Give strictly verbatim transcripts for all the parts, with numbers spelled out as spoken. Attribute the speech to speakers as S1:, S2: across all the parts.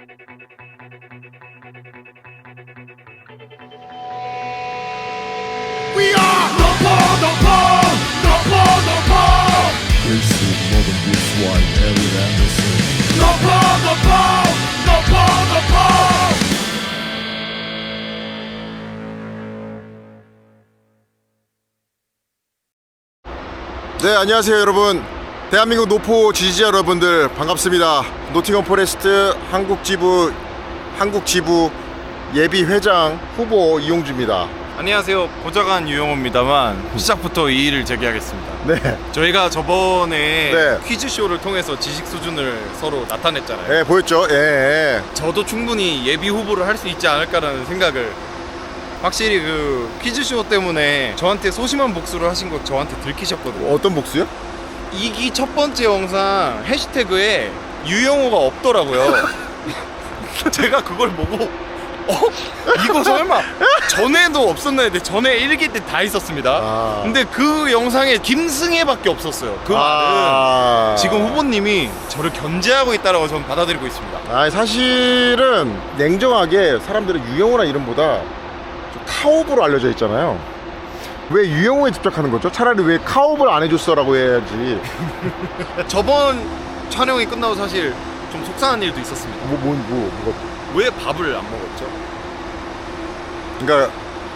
S1: We are 노포 노포 노포 노포
S2: 글쎄 먹은 비스와인 에릭 앤더슨
S1: 노포 노포 노포 노포.
S3: 네, 안녕하세요 여러분. 대한민국 노포 지지자 여러분들 반갑습니다. 노팅엄 포레스트 한국 지부 한국 지부 예비 회장 후보 이용주입니다.
S4: 안녕하세요. 보좌관 유영호입니다만 시작부터 이의를 제기하겠습니다.
S3: 네,
S4: 저희가 저번에
S3: 네.
S4: 퀴즈쇼를 통해서 지식 수준을 서로 나타냈잖아요.
S3: 네 보였죠? 예, 예.
S4: 저도 충분히 예비 후보를 할 수 있지 않을까라는 생각을, 확실히 그 퀴즈쇼 때문에 저한테 소심한 복수를 하신 거 저한테 들키셨거든요.
S3: 어떤 복수요?
S4: 이기 첫 번째 영상 해시태그에 유영호가 없더라고요. 제가 그걸 보고 어? 이거 설마 전에도 없었나 했는데 전에 일기 때 다 있었습니다.
S3: 아.
S4: 근데 그 영상에 김승혜밖에 없었어요. 그
S3: 아.
S4: 말은 지금 후보님이 저를 견제하고 있다라고 저는 받아들이고 있습니다.
S3: 아, 사실은 냉정하게 사람들은 유영호란 이름보다 좀 카옵으로 알려져 있잖아요. 왜 유영호에 집착하는 거죠? 차라리 왜 카옵을 안 해줬어라고 해야지.
S4: 저번 촬영이 끝나고 사실 좀 속상한 일도 있었습니다.
S3: 뭐, 뭐, 뭐, 뭐.
S4: 왜 밥을 안 먹었죠?
S3: 그러니까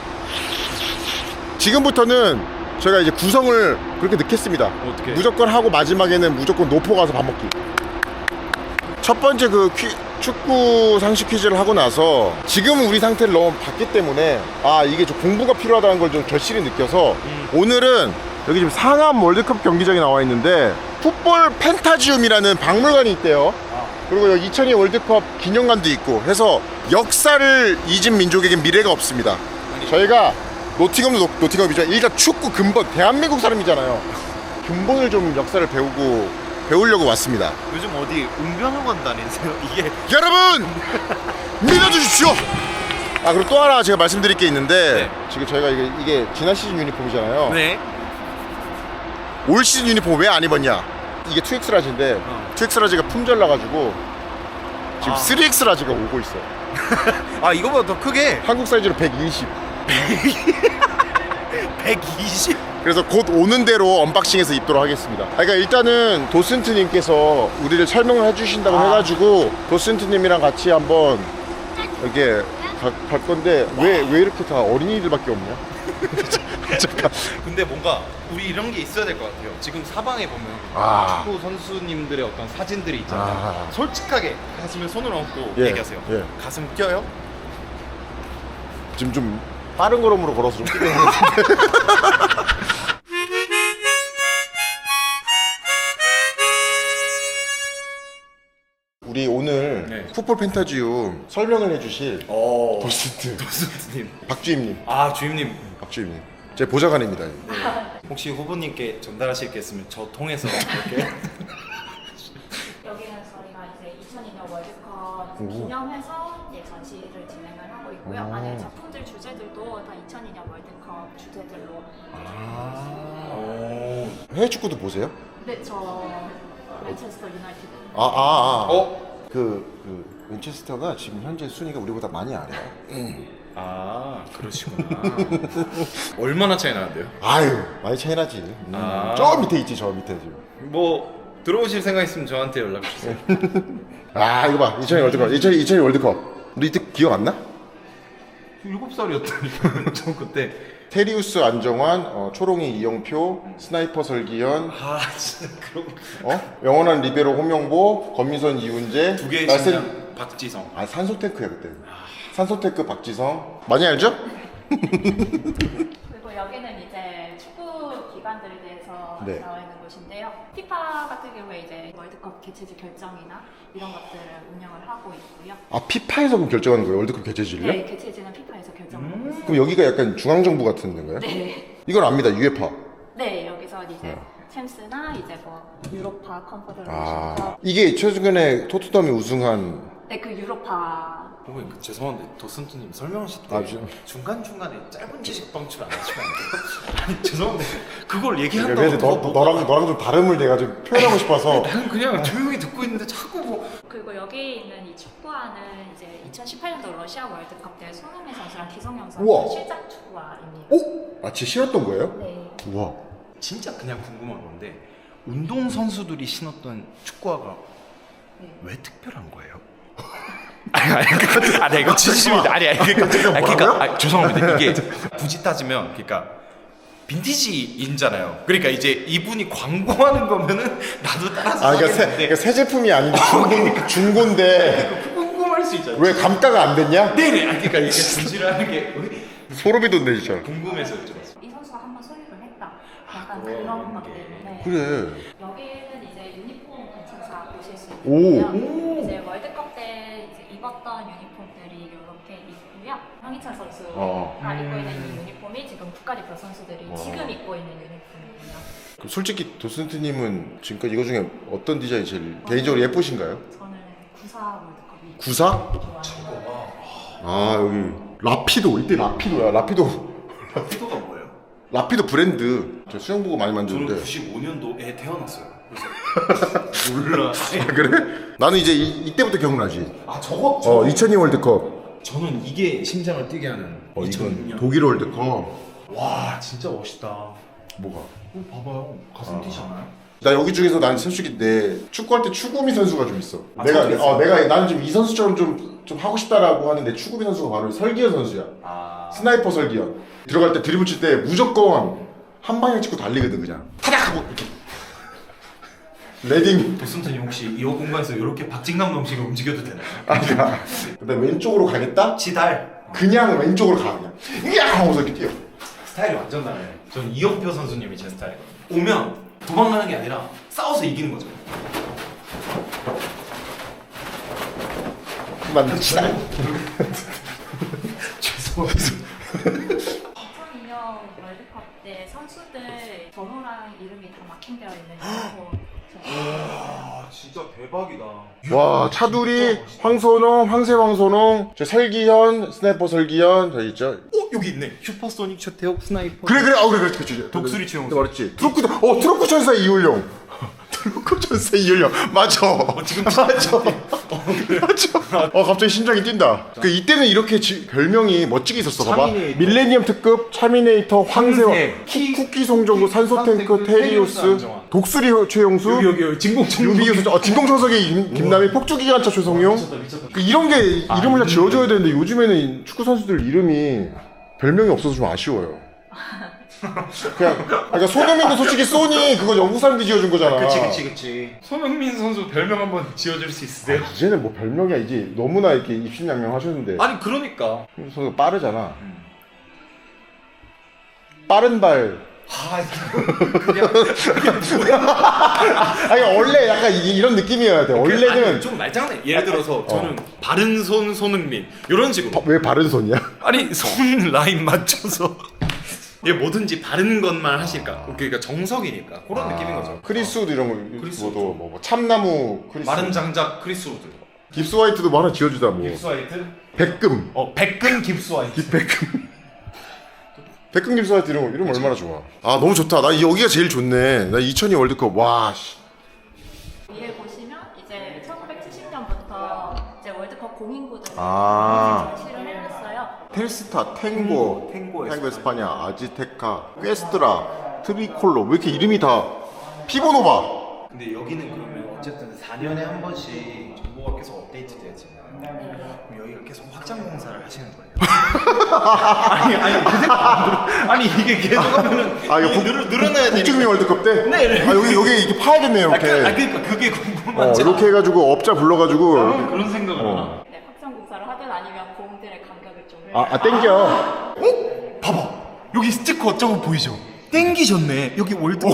S3: 지금부터는 저희가 이제 구성을 그렇게 넣겠습니다.
S4: 어떻게?
S3: 무조건 하고 마지막에는 무조건 노포 가서 밥 먹기. 첫 번째 그 퀴, 축구 상식 퀴즈를 하고 나서 지금 우리 상태를 너무 봤기 때문에 아 이게 좀 공부가 필요하다는 걸 좀 절실히 느껴서
S4: 음.
S3: 오늘은 여기 지금 상암 월드컵 경기장에 나와 있는데 풋볼 펜타지움이라는 박물관이 있대요. 그리고 여기 이천이 월드컵 기념관도 있고 해서 역사를 잊은 민족에겐 미래가 없습니다. 저희가 노팅엄도 노, 노팅엄이죠. 일단 축구 근본, 대한민국 사람이잖아요. 근본을 좀 역사를 배우고 배우려고 왔습니다.
S4: 요즘 어디 웅변학원 다니세요? 이게
S3: 여러분 믿어주십시오. 아 그리고 또 하나 제가 말씀드릴 게 있는데
S4: 네.
S3: 지금 저희가 이게, 이게 지난 시즌 유니폼이잖아요.
S4: 네.
S3: 올 시즌 유니폼 왜 안 입었냐? 이게 투 엑스 라지인데
S4: 어.
S3: 투 엑스 라지가 품절 나가지고 지금
S4: 아.
S3: 쓰리 엑스 라지가 오고 있어요.
S4: 아 이거보다 더 크게
S3: 한국 사이즈로 백이십.
S4: 백이십?
S3: 그래서 곧 오는 대로 언박싱해서 입도록 하겠습니다. 아, 그러니까 일단은 도슨트님께서 우리를 설명을 해주신다고
S4: 아.
S3: 해가지고 도슨트님이랑 같이 한번 이렇게 가, 갈 건데 왜 왜 이렇게 다 어린이들밖에 없냐? 잠깐.
S4: 근데 뭔가 우리 이런 게 있어야 될 것 같아요. 지금 사방에 보면
S3: 아.
S4: 축구 선수님들의 어떤 사진들이 있잖아요.
S3: 아.
S4: 솔직하게 가슴에 손을 얹고
S3: 예,
S4: 얘기하세요.
S3: 예.
S4: 가슴 껴요?
S3: 지금 좀 빠른 걸음으로 걸어서 좀 뛰게 하는데. 우리 오늘
S4: 네.
S3: 풋볼 펜타지움 설명을 해주실
S4: 어.
S3: 도슨트
S4: 도슨트님.
S3: 박주임님,
S4: 아 주임님.
S3: 박주임님, 제 보좌관입니다.
S4: 혹시 후보님께 전달하실 게 있으면 저 통해서 이렇게.
S5: 여기는 저희가 이제 이천이 년 월드컵
S3: 오.
S5: 기념해서 예, 전시를 진행을 하고 있고요.
S3: 오.
S5: 안에 작품들 주제들도 다 이천이 년 월드컵 주제들로.
S4: 오.
S3: 해외 축구도 보세요?
S5: 네, 저 맨체스터 유나이티드.
S3: 아, 아, 아.
S4: 어?
S3: 그, 그, 맨체스터가 지금 현재 순위가 우리보다 많이 아래요.
S4: 아 그러시구나. 얼마나 차이 나는데요?
S3: 아유, 많이 차이 나지. 음.
S4: 아.
S3: 저 밑에 있지, 저 밑에 지금.
S4: 뭐 들어오실 생각 있으면 저한테 연락 주세요.
S3: 아, 이거 봐. 이천이 월드컵. 이천이, 이천이 월드컵. 우리 이때 기억 안 나?
S4: 일곱 살이었다니까. 저 그때.
S3: 테리우스 안정환, 어, 초롱이 이영표, 스나이퍼 설기현,
S4: 아 진짜 그런
S3: 어? 영원한 리베로 홍명보, 검미선 이훈재,
S4: 두 개의
S3: 날쌘-
S4: 신장 박지성.
S3: 아 산소탱크야 그때. 산소탱크 박지성 많이 알죠?
S5: 그리고 여기는 이제 축구 기관들에 대해서
S3: 네.
S5: 나와 있는 곳인데요. 피파 같은 경우에 이제 월드컵 개최지 결정이나 이런 것들을 운영을 하고 있고요.
S3: 아 피파에서 그럼 결정하는 거예요? 월드컵 개최지를요?
S5: 네, 개최지는 피파에서 결정을 하고 있어요.
S3: 그럼 여기가 약간 중앙정부 같은 데인가요?
S5: 네.
S3: 이건 압니다. 유에파.
S5: 네, 여기서 이제
S3: 네.
S5: 챔스나 이제 뭐 유로파 컨퍼런스
S3: 아
S5: 컵.
S3: 이게 최근에 토트넘이 우승한
S5: 네, 그 유로파.
S4: 고객님 그 죄송한데 도슨트님 설명하실 때
S3: 아, 저-
S4: 중간중간에 짧은 지식 방출 안 하시면 안 돼요? 아니 죄송한데 그걸 얘기한다고
S3: 그래서 너,
S4: 뭐-
S3: 너랑 너랑 좀 다름을 내가 좀 표현하고 싶어서.
S4: 나는 그냥 조용히 듣고 있는데 자꾸 뭐
S5: 그리고 여기 있는 이 축구화는 이제 이천십팔 년도 러시아 월드컵 때 손흥민 선수랑 기성용
S3: 우와.
S5: 선수 실작 축구화입니다.
S3: 오? 아, 진짜 싫었던 거예요?
S5: 네.
S3: 우와.
S4: 진짜 그냥 궁금한 건데 운동 선수들이 신었던 축구화가
S5: 네.
S4: 왜 특별한 거예요? 아니 아니 그, 아니 이거 진심입니다. 아니 아니 그러니까, 아니, 그러니까 아, 죄송합니다. 이게 굳이 따지면 그러니까 빈티지인잖아요. 그러니까 이제 이분이 광고하는 거면은 나도 따라서
S3: 아, 그러니까 새,
S4: 하겠는데
S3: 그러니까 새 제품이 아닌데 중고, 중고인데
S4: 궁금할 수 있잖아요.
S3: 왜 감가가 안 됐냐?
S4: 네네. 아니 그러니까 이게 진실을 하는 게
S3: 소름이 돋네 진짜.
S4: 궁금해서 여쭤봤어요.
S5: 이 선수가 한번 소유를 했다. 약간 그런 것 때문에.
S3: 그래.
S5: 여기는 이제 유니폼 관찰사 보실 수
S3: 오.
S5: 있고요. 이제 월드컵 때 이제 입었던 유니폼들이 이렇게 있고요. 황희찬 선수가
S3: 어.
S5: 입고 있는 이 유니폼이 지금 국가대표 선수들이
S3: 와.
S5: 지금 입고 있는 유니폼이에요.
S3: 그럼 솔직히 도슨트님은 지금까지 이거 중에 어떤 디자인이 제일 개인적으로 예쁘신가요?
S5: 저는 구사 월드컵이
S3: 구사?
S5: 좋아하는
S3: 아 여기 라피도 이때 라피도야 라피도
S4: 피도가 뭐예요?
S3: 라피도 브랜드 저 수영복을 많이
S4: 저는
S3: 만드는데
S4: 구십오 년도에 태어났어요. 그래서 몰라.
S3: 아, 그래? 나는 이제 이, 이때부터 기억나지.
S4: 아 저거
S3: 어 이천이 월드컵.
S4: 저는 이게 심장을 뛰게 하는
S3: 어 이건
S4: 이천육 년.
S3: 독일 월드컵.
S4: 와 진짜 멋있다.
S3: 뭐가?
S4: 어, 봐봐요. 가슴 뛰잖아요.
S3: 나 여기 중에서 난 솔직히 내 축구할 때 추구미 선수가 좀 있어.
S4: 아,
S3: 내가
S4: 저도 있어요.
S3: 어 내가 나는 좀 이 선수처럼 좀 좀 하고 싶다라고 하는데 추구미 선수가 바로 설기현 선수야.
S4: 아
S3: 스나이퍼 설기현. 들어갈 때 드리블 칠 때 무조건 한 방향 찍고 달리거든 그냥. 타닥 하고 이렇게. 레딩.
S4: 도슨트님 혹시 이 공간에서 이렇게 박진감 넘치게 움직여도 되나요?
S3: 아니야. 근데 왼쪽으로 가겠다?
S4: 지달.
S3: 그냥 왼쪽으로 가 그냥. 이야 하고서 이렇게 뛰어.
S4: 스타일이 완전 다르네. 전 이영표 선수님이 제 스타일이거든요. 오면 도망가는 게 아니라 싸워서 이기는 거죠.
S3: 맞는 스타일.
S4: 죄송합니다.
S5: 이천이 년 월드컵 때 선수들 번호랑 이름이 다 마킹되어 있는 유니폼.
S4: 아 진짜 대박이다.
S3: 와 차두리, 황선홍, 황새 황선홍, 저 설기현, 스나이퍼 설기현 저 있죠.
S4: 어 여기 있네. 슈퍼소닉 최태욱 스나이퍼.
S3: 그래 그래 어 그래 그래 그래
S4: 독수리 최용수.
S3: 네, 말했지. 트로크 어 트로크 천사 이율용. 트로크 천사 이율용 맞아.
S4: 어, 지금
S3: 맞아. 맞아. 어 갑자기 심장이 뛴다. 그 이때는 이렇게 지, 별명이 멋지게 있었어. 봐봐.
S4: 차미네이터.
S3: 밀레니엄 특급, 차미네이터, 황새,
S4: 황새, 키,
S3: 쿠키 송정구, 산소 탱크,
S4: 산소탱크,
S3: 테리우스,
S4: 테리우스 안정환.
S3: 독수리 최용수,
S4: 여기 여기 여기 진공청.
S3: 유비규 어 진공청소기 김- 김남희, 폭주기관차 최성용.
S4: 미쳤다 미쳤다.
S3: 그 이런 게 이름을 다
S4: 이름이-
S3: 지어줘야 되는데 요즘에는 축구 선수들 이름이 별명이 없어서 좀 아쉬워요. 그냥 그러니까 손흥민도 솔직히 소니 그거 영국 사람들이 지어준 거잖아.
S4: 그치 그치 그치. 손흥민 선수 별명 한번 지어줄 수 있으세요?
S3: 이제는 뭐 별명이야 이제 너무나 이렇게 입신양명 하셨는데
S4: 아니 그러니까.
S3: 선수 빠르잖아. 빠른 발.
S4: 아 그냥
S3: 아니 원래 약간 이, 이런 느낌이어야 돼. 원래는
S4: 아니, 좀 말장난. 예를 들어서 저는 바른 손 손흥민 이런 식으로.
S3: 어, 왜 바른 손이야?
S4: 아니 손 라인 맞춰서 얘 뭐든지 바른 것만 하실까. 그러니까 정석이니까 그런 느낌인 거죠.
S3: 크리스우드 이런 거
S4: 크리스
S3: 그것도 뭐, 뭐 참나무 크리스.
S4: 마른 장작 크리스 우드.
S3: 깁스 화이트도 뭐 하나 지어주다 뭐.
S4: 깁스 화이트.
S3: 백금.
S4: 어 백근 깁스 화이트.
S3: 백금. 백금 깁스 화이트 이런 거 이런 거 얼마나 좋아. 아 너무 좋다. 나 여기가 제일 좋네. 나 이천이 월드컵 와. 씨.
S5: 위에 보시면 이제 천구백칠십 년부터 이제 월드컵 공인구들을
S3: 아.
S5: 전시를 해놨어요.
S3: 텔스타, 탱고,
S4: 탱고
S3: 탱고 에스파냐, 아지테카, 퀘스트라, 트리콜로 왜 이렇게 이름이 다 피보노바.
S4: 근데 여기는 그러면 어쨌든 사 년에 한 번씩 정보가 계속 업데이트 되잖아요. 그럼 여기가 계속 확장 공사를 하시는 거예요? 아니 아니 그 생각 아니 이게 계속 하면은
S3: 아 이거
S4: 늘, 늘어나야
S3: 북중미
S4: 되니까.
S3: 월드컵 때?
S4: 네, 네.
S3: 아 여기 여기 이렇게 파야겠네
S4: 아,
S3: 이렇게.
S4: 그, 아 그러니까 그게
S3: 어
S4: 궁금하지.
S3: 이렇게 해가지고 업자 불러가지고.
S4: 아, 그런 생각을
S3: 어.
S4: 하나.
S5: 네, 확장 공사를 하든 아니면 공들의 간격을 좀.
S3: 아, 아 땡겨.
S4: 어? 봐봐 여기 스티커 저거 보이죠? 땡기셨네 여기 월드컵.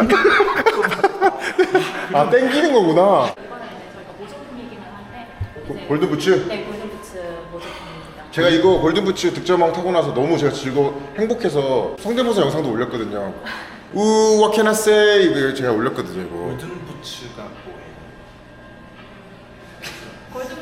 S3: 아 땡기는 거구나.
S5: 이거는 이제 저희가 모조품이기는 한데 이제
S3: 골든부츠.
S5: 네, 골든부츠 모조품입니다.
S3: 제가 이거 골든부츠 득점왕 타고 나서 너무 제가 즐거 행복해서 성대모사 영상도 올렸거든요. 우 what can I say 이거 제가 올렸거든요 이거.
S4: 골든 부츠가 뭐예요?
S5: 골든부츠는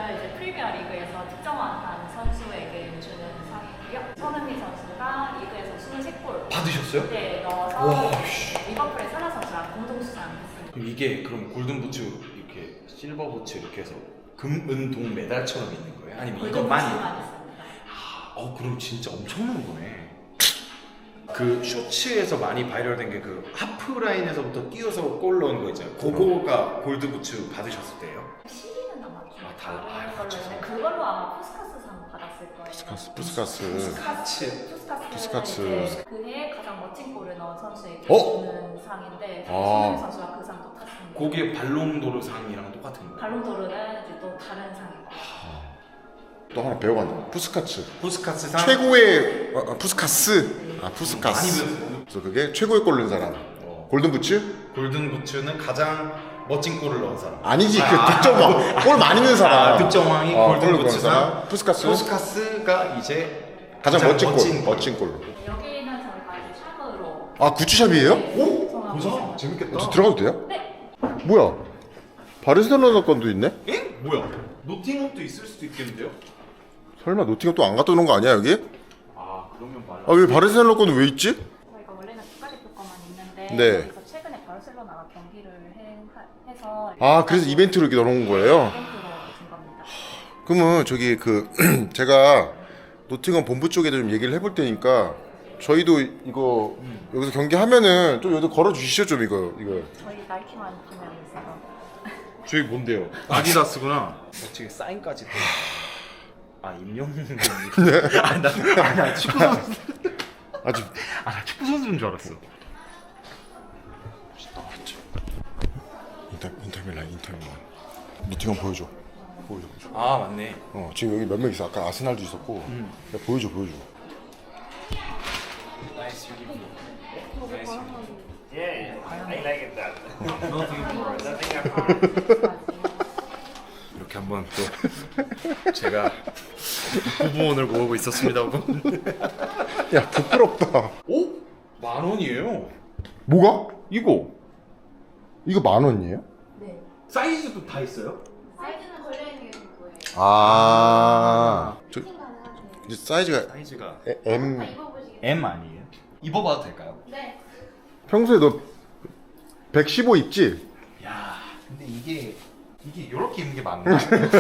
S5: 이제 프리미어 리그에서 득점왕한 선수에게 주는 상이고요. 손흥민 선수가 리그에서 이십삼 골
S4: 받으셨어요?
S5: 네, 넣어서
S4: 와, 씨.
S5: 리버풀의 사라 선수랑 공동 수상했습니다.
S4: 그럼 이게 그럼 골든 부츠 이렇게 실버 부츠 이렇게 해서 금, 은, 동 메달처럼 있는 거예요? 아니면
S5: 골든
S4: 이것만이?
S5: 부츠만 있습니다.
S4: 어 그럼 진짜 엄청난 거네. 그 쇼츠에서 많이 바이럴된 게 그 하프 라인에서부터 뛰어서 골 넣은 거 있잖아요. 그거가 골드 부츠 받으셨을 때예요?
S5: 시기는 아마 좀
S4: 아, 달라.
S5: 다른
S4: 아,
S5: 걸로
S4: 그렇죠.
S5: 했는데 그걸로 아마 푸스카스상 받았을 거예요.
S3: 푸스카스 푸스카스
S4: 푸스카츠.
S5: 푸스카스.
S3: 푸스카츠.
S5: 이제 그해 가장 멋진 골을 넣은 선수에게
S3: 어?
S5: 주는 상인데
S3: 아.
S5: 손흥민 선수가 그 상도 탔습니다.
S4: 그게 발롱도르 상이랑 똑같은 거예요?
S5: 발롱도르는 이제 또 다른 상이고.
S3: 또 하나 배워간다. 푸스카츠
S4: 푸스카츠 상?
S3: 최고의 아, 아, 푸스카스 아
S4: 많이
S3: 푸스카스
S4: 배웠어요.
S3: 그래서 그게 최고의 골 넣은 사람
S4: 어.
S3: 골든 부츠?
S4: 골든 부츠는 가장 멋진 골을 넣은 사람.
S3: 아니지 그 득점왕 골 많이 넣은 사람
S4: 아, 득점왕이
S3: 어,
S4: 골든
S3: 골을 넣은
S4: 부츠상.
S3: 사람. 푸스카스
S4: 푸스카스가 이제
S3: 가장 멋진 골
S4: 멋진
S3: 멋진 골로
S5: 여기는 저희가 이제 샵으로
S3: 아 구찌샵이에요?
S5: 오? 보자.
S4: 재밌겠다.
S3: 저 들어가도 돼요?
S5: 네.
S3: 뭐야 바르셀로나 건도 있네?
S4: 에? 뭐야? 노팅엄도 있을 수도 있겠는데요?
S3: 설마 노팅엄 또 안 갖다 놓은 거 아니야 여기?
S4: 아 그러면 말라.
S3: 아 왜 바르셀로나 건은 왜 있지?
S5: 저희가 원래는 국가대표 거만 있는데
S3: 네.
S5: 여기서 최근에 바르셀로나가 경기를 해, 하- 해서
S3: 아 그래서 이벤트로 이렇게 넣어놓은 거예요?
S5: 이벤트로 준 겁니다.
S3: 그러면 저기 그 제가 노팅엄 본부 쪽에도 좀 얘기를 해볼 테니까 저희도 이거 여기서 경기하면은 좀 여기도 걸어 주시죠 좀 이거 이거
S5: 저희 나이키만 판매하고 있어서
S4: 저희 뭔데요? 아디다스구나. 어떻게 사인까지 돼? 아 임영웅. 아나 나, 나 축구 선수.
S3: 아주
S4: 아나 축구 선수인 줄 알았어.
S3: 인터 인터밀란 인터밀란 노팅엄 보여줘 보여줘 보여줘
S4: 아 맞네.
S3: 어 지금 여기 몇 명 있어 아까 아스날도 있었고 야, 보여줘 보여줘
S4: 이렇게 한번 또 제가 후보원을 모으고 있었습니다.
S3: 야 부끄럽다
S4: 오? 만 원이에요.
S3: 뭐가?
S4: 이거
S3: 이거 만 원이에요?
S5: 네.
S4: 사이즈도 다 있어요?
S5: 사이즈는 걸려있는 게 뭐예요?
S3: 아 저,
S5: 가능하세요?
S3: 이제 사이즈가
S4: 사이즈가
S3: 에- M
S5: 입어보시겠어요?
S4: M 아니에요? 입어봐도 될까요?
S5: 네.
S3: 평소에 너 백십오 입지?
S4: 야, 근데 이게 이게 이렇게 입는 게 맞나?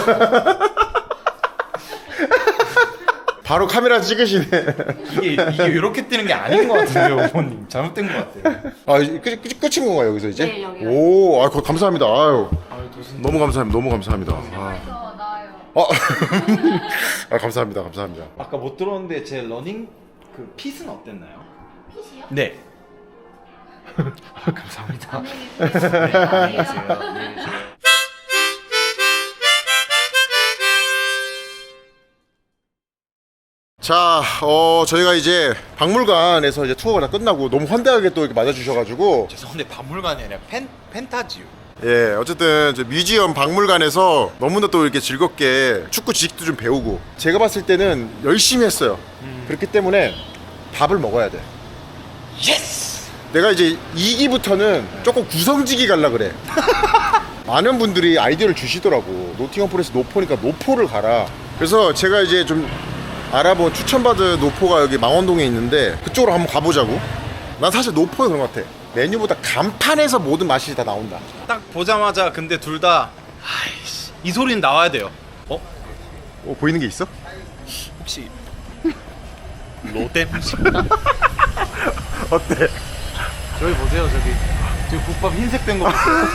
S3: 바로 카메라 찍으시네
S4: 이게 이게 이렇게 뜨는 게 아닌 것 같은데요, 어머님. 잘못된 것 같아요.
S3: 아 이제 끝, 끝, 끝인 건가요 여기서 이제?
S5: 네, 여기요.
S3: 오, 아, 거- 감사합니다. 아유,
S4: 아유, 도슨.
S3: 너무 감사합니다. 너무 감사합니다. 아,
S5: 그래서 나아요.
S3: 아, 아 감사합니다. 감사합니다.
S4: 아까 못 들었는데 제 러닝 그 핏은 어땠나요?
S5: 핏이요?
S4: 네. 아, 감사합니다.
S5: 안녕히 계세요.
S4: 안녕히 계세요. 안녕히 계세요.
S3: 자, 어, 저희가 이제 박물관에서 이제 투어가 다 끝나고 너무 환대하게 또 이렇게 맞아주셔가지고
S4: 죄송한데 박물관이 아니라 펜 펜타지오.
S3: 예, 어쨌든 저 뮤지엄 박물관에서 너무나 또 이렇게 즐겁게 축구 지식도 좀 배우고 제가 봤을 때는 열심히 했어요. 그렇기 때문에 밥을 먹어야 돼.
S4: 예스.
S3: 내가 이제 이 기부터는 조금 구성지기 갈라 그래. 많은 분들이 아이디어를 주시더라고. 노팅엄 포레스트 노포니까 노포를 가라. 그래서 제가 이제 좀 알아본 추천받은 노포가 여기 망원동에 있는데 그쪽으로 한번 가보자고. 난 사실 노포는 그런 것 같아. 메뉴보다 간판에서 모든 맛이 다 나온다.
S4: 딱 보자마자 근데 둘 다 아이씨 이 소리는 나와야 돼요. 어?
S3: 어, 보이는 게 있어?
S4: 혹시 로뎀?
S3: 어때?
S4: 저기 보세요 저기 저기 국밥 흰색 된 거 보세요.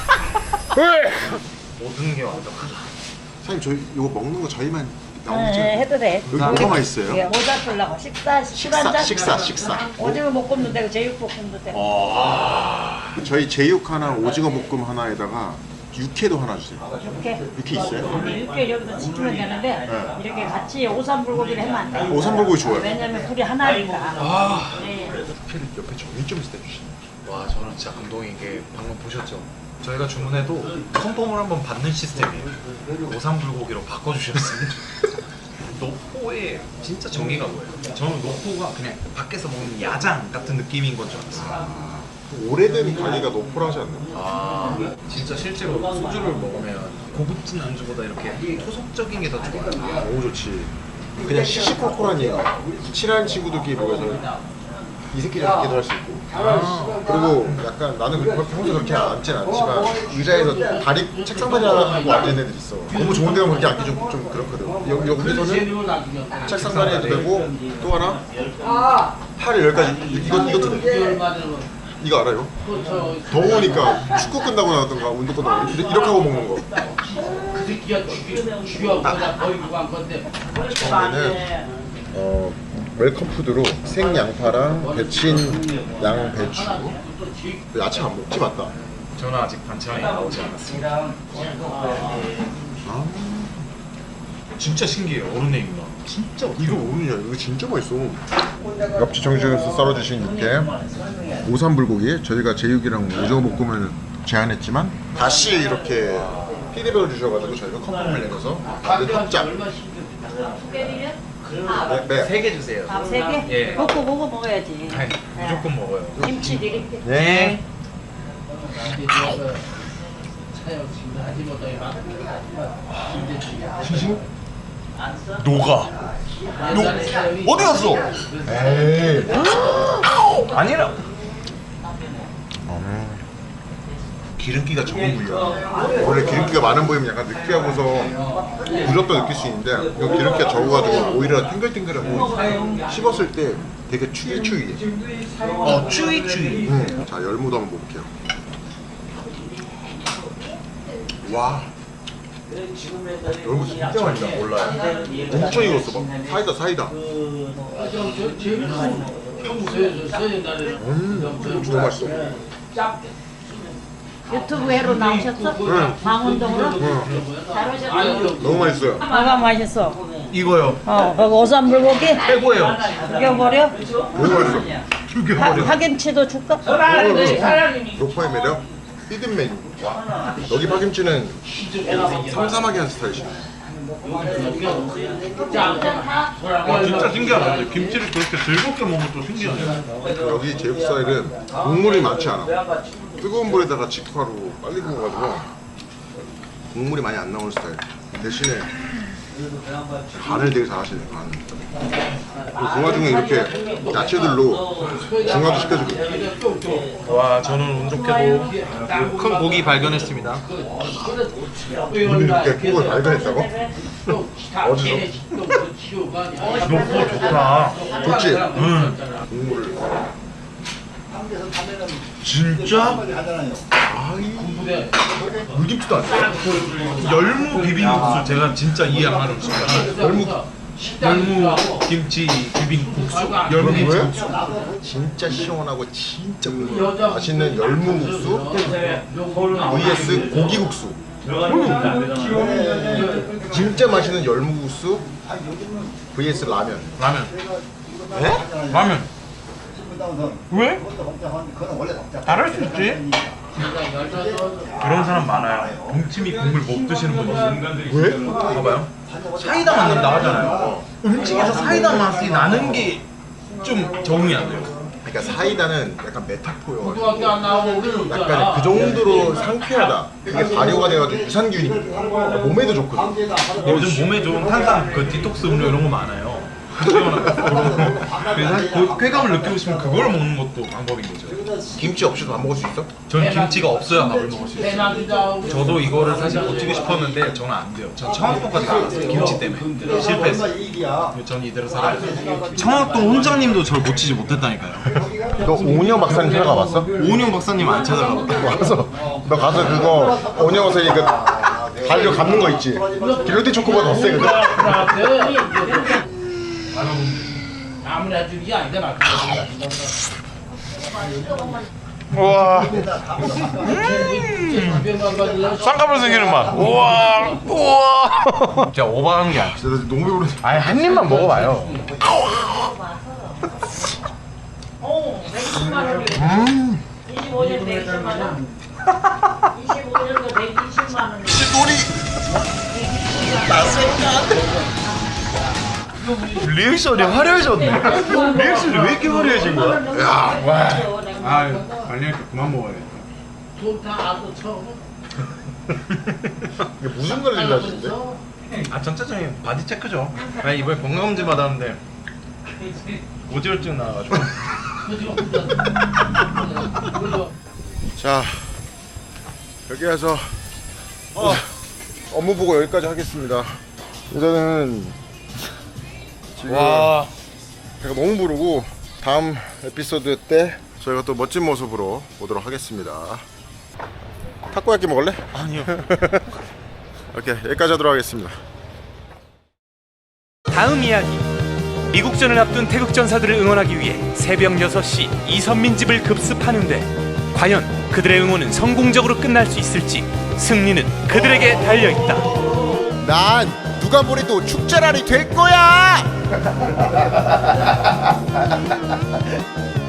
S4: 모든 게 완벽하다.
S3: 사장님 저희 이거 먹는 거 저희만
S6: 네, 해도 돼.
S3: 여기 뭐가 맛있어요?
S6: 예, 모자 풀라고 식사 술
S3: 식사,
S6: 한잔.
S3: 식사, 식사.
S6: 오징어 볶음도 되고 제육볶음도 되고.
S3: 저희 제육 하나, 오징어 볶음 하나에다가 육회도 하나 주세요.
S6: 이렇게
S3: 육회 있어요?
S6: 근데 육개 여기서 지키면 되는데 이렇게 같이 오삼불고기를 하면 안 돼.
S3: 오삼불고기 좋아요.
S6: 왜냐면 불이 하나니까. 네.
S3: 육회는 옆에 정리 좀 해주시네.
S4: 와 저는 진짜 감동인 게 방금 보셨죠? 저희가 주문해도 컨펌을 한번 받는 시스템이에요. 오삼불고기로 바꿔주셨어요. 노포에 진짜 정의가 뭐예요? 저는 노포가 그냥 밖에서 먹는 야장 같은 느낌인 건 줄 알았어요.
S3: 오래된 가게가 노포라지 않나?
S4: 아 진짜 실제로 소주를 먹으면 고급진 안주보다 이렇게 토속적인 게 더 좋아요.
S3: 너무 좋지. 그냥 시시콜콜하니까 친한 친구들끼리 모여서 이 새끼 저 새끼도 할 수 있고. 그리고 약간 나는 그렇게 평소에 그렇게 앉진 않지만 의자에서 다리 책상 다리 하나 하고 앉는 애들 있어. 너무 좋은 데 가면 그렇게 앉기 좀, 좀 그렇거든. 여기, 여기서는 책상 다리 해도 되고 또 하나 팔을 여기까지 이거 이것도 돼. 이거 알아요? 더우니까 축구 끝나고 나왔던가 운동 끝나고 이렇게 이렇게 하고 먹는 거. 처음에는 어 웰컴 푸드로 생 양파랑 데친 양 배추. 야채 안 먹지 맞다.
S4: 저는 아직 반찬이 나오지 않았습니다.
S3: 아
S4: 진짜 신기해요. 어른 얘기가. 진짜
S3: 이거 모르냐? 이거 진짜 맛있어. 엽치 정식에서 썰어주신 육회, 오삼불고기에 저희가 제육이랑 오징어 볶음을 제안했지만 다시 이렇게 피드백을 주셔가지고 저희가 컨펌을 내려서 다들 합작. 네, 네.
S4: 세 개 주세요.
S6: 밥 세 개?
S4: 예.
S6: 먹고 먹어 먹어야지.
S4: 아니, 무조건 먹어요.
S6: 김치 드릴게.
S4: 네. 녹아. 녹. 어디 갔어?
S3: 에이.
S4: 아니라.
S3: 기름기가 적은 부위야. 원래 기름기가 많은 부위면 약간 느끼하고서 부럽다 느낄 수 있는데 이거 기름기가 적어가지고 오히려 탱글탱글하고 씹었을 때 되게 추위추위해.
S4: 어, 추위 추위.
S3: 음. 자 열무도 한번 먹을게요. 와 열무 진짜 맛있다. 몰라요. 엄청 익었어 막 사이다 사이다. 음 진짜 너무 맛있어.
S6: 유튜브 회로 나오셨어?
S3: 응.
S6: 강원동으로?
S3: 응.
S6: 잘 오셨어?
S3: 너무 맛있어요.
S6: 뭐가 맛있어?
S4: 이거요.
S6: 어, 거기 오삼불고기?
S4: 최고예요.
S6: 죽여버려?
S3: 너무 맛있어.
S6: 파, 파김치도 줄까?
S3: 로퍼의 매력 히든 메뉴. 여기 파김치는 삼삼하게 한 스타일이야.
S4: 와 진짜 신기하다. 김치를 그렇게 즐겁게 먹으면 또 신기하네요.
S3: 여기 제육 스타일은 국물이 많지 않아. 뜨거운 물에다가 직화로 빨리 구워가지고 국물이 많이 안 나오는 스타일. 대신에 간을 되게 잘하시네. 간. 그리고 그 와중에 이렇게 야채들로 중화도 시켜주고.
S4: 와 저는 운 좋게도 큰 고기 발견했습니다.
S3: 오늘 이렇게 큰 걸 발견했다고? 어디서?
S4: 너무 좋다.
S3: 좋지?
S4: 응.
S3: 국물을.
S4: 진짜?
S3: 아이 물김치도 안 돼.
S4: 열무 비빔국수 제가 진짜 이해 안 가는 음식이야.
S3: 열무
S4: 열무 김치 비빔국수? 열무 김치
S3: 왜?
S4: 국수.
S3: 진짜 시원하고 진짜 맛있는 열무국수 vs 고기국수. 진짜 맛있는 열무국수 vs 라면.
S4: 라면.
S3: 에?
S4: 라면. 왜? 다를 수 있지. 그런 사람 많아요. 동치미 국물 못 드시는 분 있어요.
S3: 왜?
S4: 봐봐요. 사이다 맛 난다 하잖아요. 음식에서 사이다 맛이 나는 게 좀 적응이 안 돼요.
S3: 그러니까 사이다는 약간 메타포여가지고 약간 그 정도로 상쾌하다. 그게 발효가 돼가지고 유산균이거든. 몸에도 좋거든.
S4: 요즘 몸에 좋은 탄산, 그 디톡스 음료 이런 거 많아요. 그래서 사실 그 쾌감을 느끼고 싶으면 그걸 먹는 것도 방법인 거죠.
S3: 김치 없이도 밥 먹을 수 있어?
S4: 전 김치가 없어야 밥을 먹을 수 있어요. 저도 이거를 사실 고치고 싶었는데 저는 안 돼요. 전 청학도까지 나갔어요. 김치 때문에 실패했어요. 전 이대로 살아요. 청학도 원장님도 저를 고치지 못했다니까요.
S3: 너 오은영 박사님 찾아가봤어?
S4: 오은영 박사님 안 찾아가봤다.
S3: 와서 너 가서 그거 오은영 박사님 그 발로 감는 거 있지? 길로티 초코보다 더 세거든?
S7: 아무래도 이게 아닌데 말.
S4: 우와. 쌍꺼풀 생기는 맛. 우와. 우와. 진짜 오버하는 게 아니야.
S3: 진짜 나 너무 배부르.
S4: 아니 한 입만 먹어봐요.
S3: 음.
S6: 이십오 년 백이십만 원. 이십오 년도 백이십만 원.
S3: 시골이
S4: 리액션이 화려해졌네. 리액션이 왜 이렇게 화려해진 거야?
S3: 야
S4: 와. 아유. 관리할 때 그만 먹어야겠다.
S3: 이게 무슨 관리를 하시는데?
S4: 아 전체적인 바디 체크죠. 아니 이번에 건강검진 받았는데 오지혈증 나와가지고.
S3: 자, 여기 와서 어, 업무 보고 여기까지 하겠습니다. 일단은 지금
S4: 와.
S3: 배가 너무 부르고 다음 에피소드 때 저희가 또 멋진 모습으로 오도록 하겠습니다. 타코야끼 먹을래?
S4: 아니요.
S3: 오케이, 여기까지 하도록 하겠습니다.
S7: 다음 이야기. 미국전을 앞둔 태극전사들을 응원하기 위해 새벽 여섯 시 이선민 집을 급습하는데 과연 그들의 응원은 성공적으로 끝날 수 있을지 승리는 그들에게 달려있다.
S3: 난 누가 뭐래도 축제날이 될 거야!